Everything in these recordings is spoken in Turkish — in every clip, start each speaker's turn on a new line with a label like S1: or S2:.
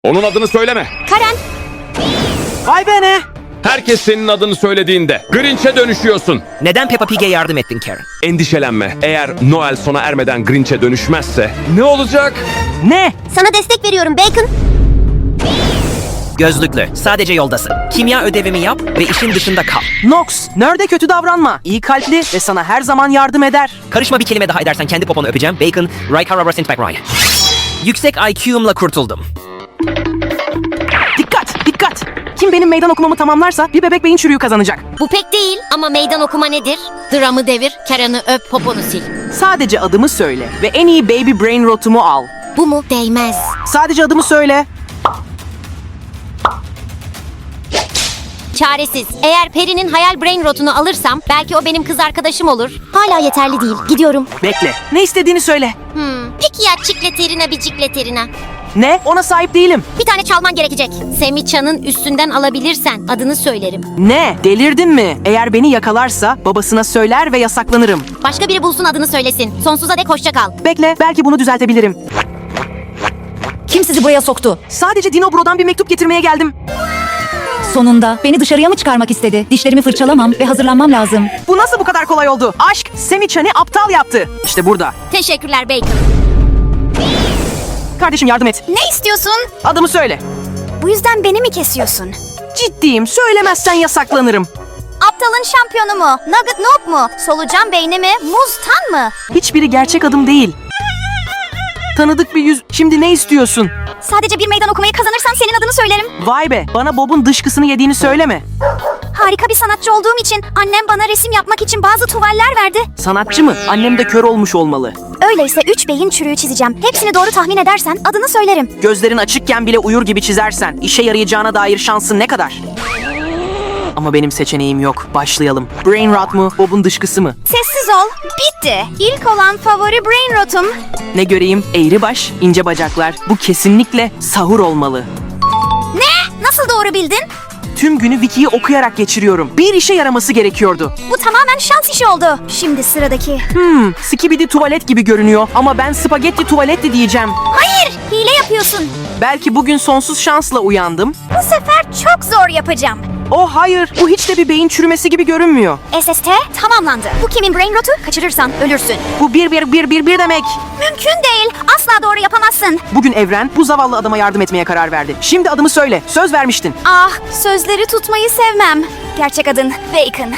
S1: Onun adını söyleme.
S2: Karen.
S3: Vay be ne?
S1: Herkes senin adını söylediğinde Grinch'e dönüşüyorsun.
S3: Neden Peppa Pig'e yardım ettin Karen?
S1: Endişelenme. Eğer Noel sona ermeden Grinch'e dönüşmezse ne olacak?
S3: Ne?
S2: Sana destek veriyorum Bacon.
S3: Gözlüklü. Sadece yoldasın. Kimya ödevimi yap ve işin dışında kal. Nox, nerede kötü davranma. İyi kalpli ve sana her zaman yardım eder. Karışma, bir kelime daha edersen kendi poponu öpeceğim. Bacon, Raykarabra Sintback Ryan. Yüksek IQ'umla kurtuldum. Dikkat, dikkat. Kim benim meydan okumamı tamamlarsa bir bebek beyin çürüğü kazanacak.
S2: Bu pek değil ama meydan okuma nedir? Dramı devir, Karen'ı öp, poponu sil.
S3: Sadece adımı söyle ve en iyi baby brain rotumu al.
S2: Bu mu? Değmez.
S3: Sadece adımı söyle.
S2: Çaresiz. Eğer Peri'nin hayal brain rotunu alırsam belki o benim kız arkadaşım olur. Hala yeterli değil. Gidiyorum.
S3: Bekle. Ne istediğini söyle.
S2: Peki ya çikleterina bir cikleterina?
S3: Ne? Ona sahip değilim.
S2: Bir tane çalman gerekecek. Semiçan'ın üstünden alabilirsen adını söylerim.
S3: Ne? Delirdin mi? Eğer beni yakalarsa babasına söyler ve yasaklanırım.
S2: Başka biri bulsun adını söylesin. Sonsuza dek hoşça kal.
S3: Bekle, belki bunu düzeltebilirim.
S4: Kim sizi buraya soktu?
S3: Sadece Dino Bro'dan bir mektup getirmeye geldim.
S4: Sonunda beni dışarıya mı çıkarmak istedi? Dişlerimi fırçalamam ve hazırlanmam lazım.
S3: Bu nasıl bu kadar kolay oldu? Aşk Semichan'ı aptal yaptı. İşte burada.
S2: Teşekkürler Bacon.
S3: Kardeşim yardım et.
S2: Ne istiyorsun?
S3: Adımı söyle.
S2: Bu yüzden beni mi kesiyorsun?
S3: Ciddiyim. Söylemezsen yasaklanırım.
S2: Aptalın şampiyonu mu? Nugget Noob mu? Solucan beyni mi? Muz Tan mı?
S3: Hiçbiri gerçek adım değil. Tanıdık bir yüz. Şimdi ne istiyorsun?
S2: Sadece bir meydan okumayı kazanırsan senin adını söylerim.
S3: Vay be. Bana Bob'un dışkısını yediğini söyleme.
S2: Harika bir sanatçı olduğum için annem bana resim yapmak için bazı tuvaller verdi.
S3: Sanatçı mı? Annem de kör olmuş olmalı.
S2: Öyleyse 3 beyin çürüğü çizeceğim. Hepsini doğru tahmin edersen adını söylerim.
S3: Gözlerin açıkken bile uyur gibi çizersen işe yarayacağına dair şansın ne kadar? Ama benim seçeneğim yok. Başlayalım. Brain rot mu? Bob'un dışkısı mı?
S2: Sessiz ol. Bitti. İlk olan favori brain rotum.
S3: Ne göreyim? Eğri baş, ince bacaklar. Bu kesinlikle sahur olmalı.
S2: Ne? Nasıl doğru bildin?
S3: Tüm günü Wiki'yi okuyarak geçiriyorum. Bir işe yaraması gerekiyordu.
S2: Bu tamamen şans işi oldu. Şimdi sıradaki.
S3: Skibidi tuvalet gibi görünüyor ama ben spagetti tuvaletti diyeceğim.
S2: Hayır, hile yapıyorsun.
S3: Belki bugün sonsuz şansla uyandım.
S2: Bu sefer çok zor yapacağım.
S3: Oh hayır, bu hiç de bir beyin çürümesi gibi görünmüyor.
S2: SST tamamlandı. Bu kimin brain rotu? Kaçırırsan ölürsün.
S3: Bu bir demek.
S2: Mümkün değil. Asla doğru yapamazsın.
S3: Bugün evren bu zavallı adama yardım etmeye karar verdi. Şimdi adımı söyle. Söz vermiştin.
S2: Ah, sözleri tutmayı sevmem. Gerçek adın Bacon.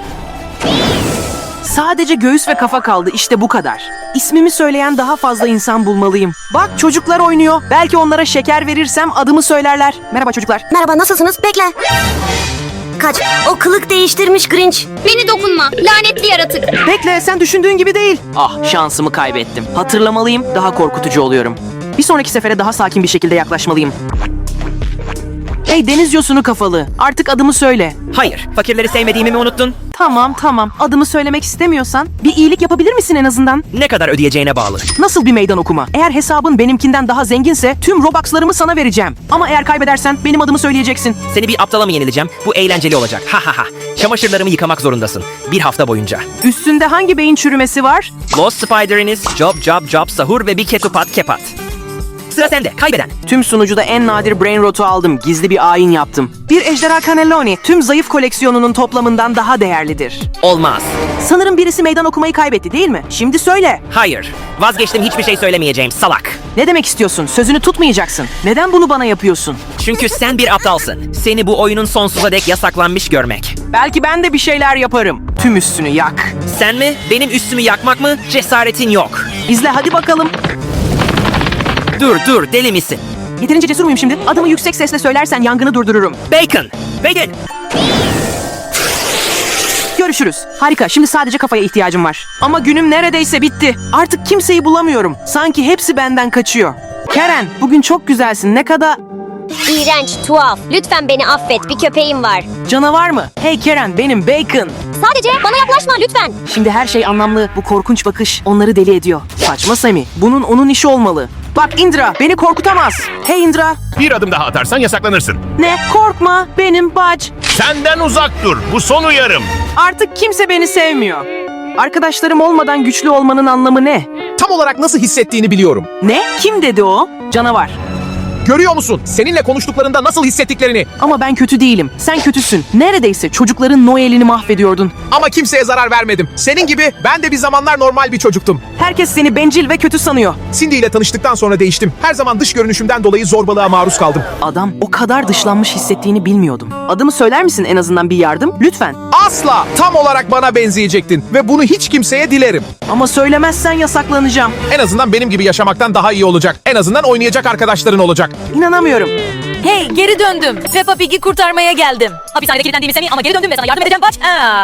S3: Sadece göğüs ve kafa kaldı. İşte bu kadar. İsmimi söyleyen daha fazla insan bulmalıyım. Bak çocuklar oynuyor. Belki onlara şeker verirsem adımı söylerler. Merhaba çocuklar.
S2: Merhaba, nasılsınız? Bekle. Kaç. O kılık değiştirmiş Grinch. Beni dokunma. Lanetli yaratık.
S3: Bekle, sen düşündüğün gibi değil. Ah, şansımı kaybettim. Hatırlamalıyım, daha korkutucu oluyorum. Bir sonraki sefere daha sakin bir şekilde yaklaşmalıyım. Hey deniz yosunu kafalı. Artık adımı söyle.
S5: Hayır, fakirleri sevmediğimi mi unuttun?
S3: Tamam. Adımı söylemek istemiyorsan bir iyilik yapabilir misin en azından?
S5: Ne kadar ödeyeceğine bağlı.
S3: Nasıl bir meydan okuma? Eğer hesabın benimkinden daha zenginse tüm Robux'larımı sana vereceğim. Ama eğer kaybedersen benim adımı söyleyeceksin.
S5: Seni bir aptala mı yenileceğim? Bu eğlenceli olacak. Ha ha ha. Çamaşırlarımı yıkamak zorundasın. Bir hafta boyunca.
S3: Üstünde hangi beyin çürümesi var?
S5: Lost Spider'iniz, Job, Sahur ve bir ketupat kepat. Sıra sende, kaybeden.
S3: Tüm sunucuda en nadir brain rotu aldım. Gizli bir ayin yaptım. Bir ejderha cannelloni tüm zayıf koleksiyonunun toplamından daha değerlidir.
S5: Olmaz.
S3: Sanırım birisi meydan okumayı kaybetti değil mi? Şimdi söyle.
S5: Hayır. Vazgeçtim, hiçbir şey söylemeyeceğim, salak.
S3: Ne demek istiyorsun? Sözünü tutmayacaksın. Neden bunu bana yapıyorsun?
S5: Çünkü sen bir aptalsın. Seni bu oyunun sonsuza dek yasaklanmış görmek.
S3: Belki ben de bir şeyler yaparım. Tüm üstünü yak.
S5: Sen mi? Benim üstümü yakmak mı? Cesaretin yok.
S3: İzle hadi bakalım.
S5: Dur, deli misin?
S3: Yeterince cesur muyum şimdi? Adımı yüksek sesle söylersen yangını durdururum.
S5: Bacon!
S3: Görüşürüz. Harika. Şimdi sadece kafaya ihtiyacım var. Ama günüm neredeyse bitti. Artık kimseyi bulamıyorum. Sanki hepsi benden kaçıyor. Karen, bugün çok güzelsin. Ne kadar...
S2: İğrenç, tuhaf. Lütfen beni affet. Bir köpeğim var.
S3: Canavar mı? Hey Karen, benim Bacon.
S2: Sadece bana yaklaşma lütfen.
S3: Şimdi her şey anlamlı. Bu korkunç bakış onları deli ediyor. Saçma Sammy. Bunun onun işi olmalı. Bak Indra, beni korkutamaz. Hey Indra.
S6: Bir adım daha atarsan yasaklanırsın.
S3: Ne? Korkma. Benim bac.
S6: Senden uzak dur. Bu son uyarım.
S3: Artık kimse beni sevmiyor. Arkadaşlarım olmadan güçlü olmanın anlamı ne?
S7: Tam olarak nasıl hissettiğini biliyorum.
S3: Ne? Kim dedi o? Canavar.
S7: Görüyor musun? Seninle konuştuklarında nasıl hissettiklerini.
S3: Ama ben kötü değilim. Sen kötüsün. Neredeyse çocukların Noel'ini mahvediyordun.
S7: Ama kimseye zarar vermedim. Senin gibi ben de bir zamanlar normal bir çocuktum.
S3: Herkes seni bencil ve kötü sanıyor.
S7: Cindy ile tanıştıktan sonra değiştim. Her zaman dış görünüşümden dolayı zorbalığa maruz kaldım.
S3: Adam o kadar dışlanmış hissettiğini bilmiyordum. Adımı söyler misin en azından bir yardım? Lütfen.
S7: Asla tam olarak bana benzeyecektin ve bunu hiç kimseye dilerim.
S3: Ama söylemezsen yasaklanacağım.
S7: En azından benim gibi yaşamaktan daha iyi olacak. En azından oynayacak arkadaşların olacak.
S3: İnanamıyorum.
S8: Hey, geri döndüm. Peppa Pig'i kurtarmaya geldim. Hapishanede kilitlendiğimi seni ama geri döndüm ve sana yardım edeceğim. Baş.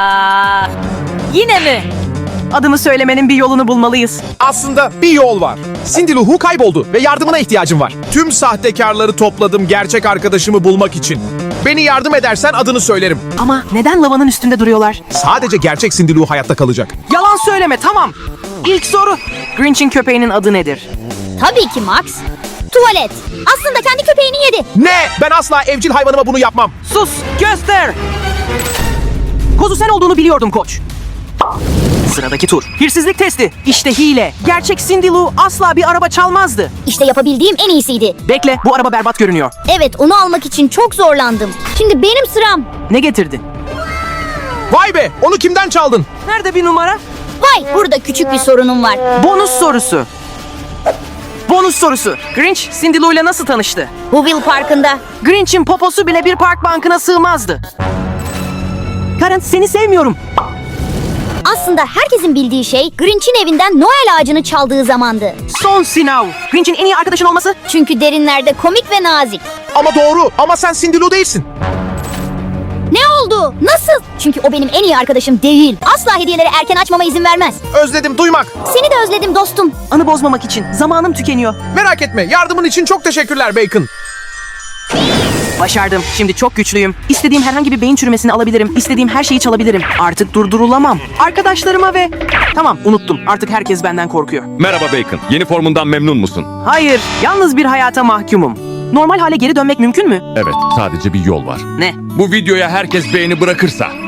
S8: Yine mi?
S3: Adımı söylemenin bir yolunu bulmalıyız.
S7: Aslında bir yol var. Cindy Lou Who kayboldu ve yardımına ihtiyacım var. Tüm sahtekarları topladım gerçek arkadaşımı bulmak için. Beni yardım edersen adını söylerim.
S3: Ama neden lavanın üstünde duruyorlar?
S7: Sadece gerçek Cindy Lou hayatta kalacak.
S3: Yalan söyleme, tamam. İlk soru. Grinch'in köpeğinin adı nedir?
S2: Tabii ki Max. Tuvalet. Aslında kendi köpeğini yedi.
S7: Ne? Ben asla evcil hayvanıma bunu yapmam.
S3: Sus, göster. Kozu sen olduğunu biliyordum koç. Sıradaki tur. Hırsızlık testi. İşte hile. Gerçek Cindy Lou asla bir araba çalmazdı.
S2: İşte yapabildiğim en iyisiydi.
S3: Bekle, bu araba berbat görünüyor.
S2: Evet, onu almak için çok zorlandım. Şimdi benim sıram.
S3: Ne getirdin?
S7: Vay be! Onu kimden çaldın?
S3: Nerede bir numara?
S2: Vay, burada küçük bir sorunum var.
S3: Bonus sorusu. Bonus sorusu. Grinch, Cindy Lou ile nasıl tanıştı?
S2: Whoville Parkı'nda.
S3: Grinch'in poposu bile bir park bankına sığmazdı. Karen, seni sevmiyorum.
S2: Aslında herkesin bildiği şey Grinch'in evinden Noel ağacını çaldığı zamandı.
S3: Son sınav. Grinch'in en iyi arkadaşın olması?
S2: Çünkü derinlerde komik ve nazik.
S7: Ama doğru. Ama sen Cindy Lou değilsin.
S2: Ne oldu? Nasıl? Çünkü o benim en iyi arkadaşım değil. Asla hediyeleri erken açmama izin vermez.
S7: Özledim duymak.
S2: Seni de özledim dostum.
S3: Anı bozmamak için. Zamanım tükeniyor.
S7: Merak etme. Yardımın için çok teşekkürler Bacon.
S3: Başardım. Şimdi çok güçlüyüm. İstediğim herhangi bir beyin çürümesini alabilirim. İstediğim her şeyi çalabilirim. Artık durdurulamam. Arkadaşlarıma ve... Tamam, unuttum. Artık herkes benden korkuyor.
S1: Merhaba Bacon. Yeni formundan memnun musun?
S3: Hayır, yalnız bir hayata mahkumum. Normal hale geri dönmek mümkün mü?
S1: Evet, sadece bir yol var.
S3: Ne?
S1: Bu videoya herkes beğeni bırakırsa